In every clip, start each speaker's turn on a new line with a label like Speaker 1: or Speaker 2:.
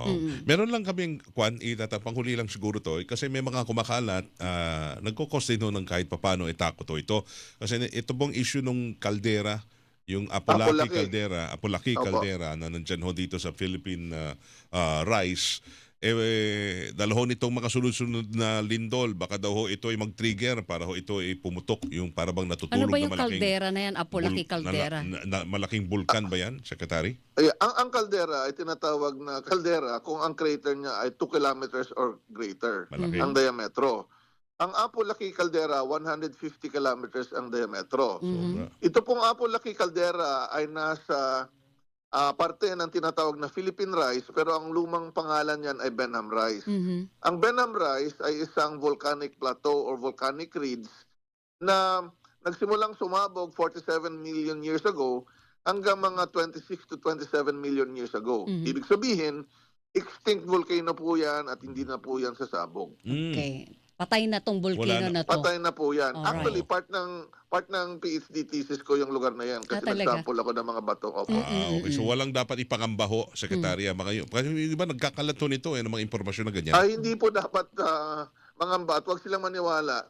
Speaker 1: Oo. Meron lang kaming panghuli lang siguro to kasi may mga kumakalat, nagko-cause din ho ng kahit papano takot ho ito. Kasi ito pong issue nung caldera, yung
Speaker 2: Apolaki.
Speaker 1: Apolaki
Speaker 2: Opo.
Speaker 1: caldera na nandyan ho dito sa Philippine Rice. Dahil ho nitong mga sunod-sunod na lindol, baka daw ho ito ay mag-trigger para ho ito ay pumutok, yung para bang
Speaker 3: Ano
Speaker 1: natutulog
Speaker 3: ba
Speaker 1: na
Speaker 3: yung kaldera na yan? Apolaki caldera?
Speaker 1: malaking bulkan ba yan, Secretary?
Speaker 2: Ay, ang kaldera ay tinatawag na kaldera kung ang crater niya ay 2 kilometers or greater
Speaker 1: Malaki.
Speaker 2: ang diametro. Ang Apolaki caldera, 150 kilometers ang diametro.
Speaker 1: Sobra.
Speaker 2: Ito pong Apolaki caldera ay nasa parte ng tinatawag na Philippine Rice, pero ang lumang pangalan niyan ay Benham Rice. Ang Benham Rice ay isang volcanic plateau or volcanic ridge na nagsimulang sumabog 47 million years ago hanggang mga 26 to 27 million years ago. Ibig sabihin, extinct volcano po yan at hindi na po yan sasabog.
Speaker 3: Okay. Patay na tong volcano
Speaker 1: Wala na.
Speaker 3: na to.
Speaker 2: Patay na po yan.
Speaker 3: Alright.
Speaker 2: Actually, part ng PhD thesis ko yung lugar na yan kasi
Speaker 3: talaga?
Speaker 2: nag-sample ako ng mga bato. Opo.
Speaker 1: Okay. So walang dapat ipangamba ho, Sekretarya. Kasi yung iba nagkakalat ho nito ng mga impormasyon na ganyan.
Speaker 2: Ay, hindi po dapat mangamba at huwag silang maniwala.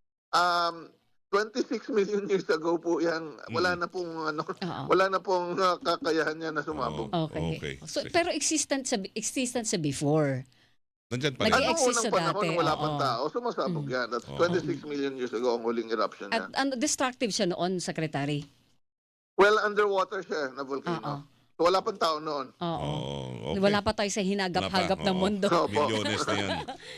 Speaker 2: 26 million years ago po yan. Wala na pong
Speaker 3: Oo.
Speaker 2: wala na pong kakayahan niya na sumabog.
Speaker 3: Okay.
Speaker 1: Okay.
Speaker 3: So, pero existent sa before.
Speaker 1: Nandyan pa rin.
Speaker 3: Nag-
Speaker 2: Anong
Speaker 3: exist
Speaker 2: unang
Speaker 3: sa
Speaker 2: panahon
Speaker 3: dati,
Speaker 2: nung wala
Speaker 3: oo.
Speaker 2: pang tao, sumasabog yan. That's 26 million years ago ang huling eruption
Speaker 3: At
Speaker 2: niya.
Speaker 3: destructive siya noon, Secretary.
Speaker 2: Well, underwater siya na
Speaker 3: Oo.
Speaker 2: volcano. So, wala pang tao noon.
Speaker 3: Oo.
Speaker 1: Oo, okay.
Speaker 3: Wala pa tayo sa hinagap-hagap
Speaker 1: Wala pa,
Speaker 3: ng
Speaker 1: oo.
Speaker 3: mundo.
Speaker 2: Opo.
Speaker 1: Milyones na yan.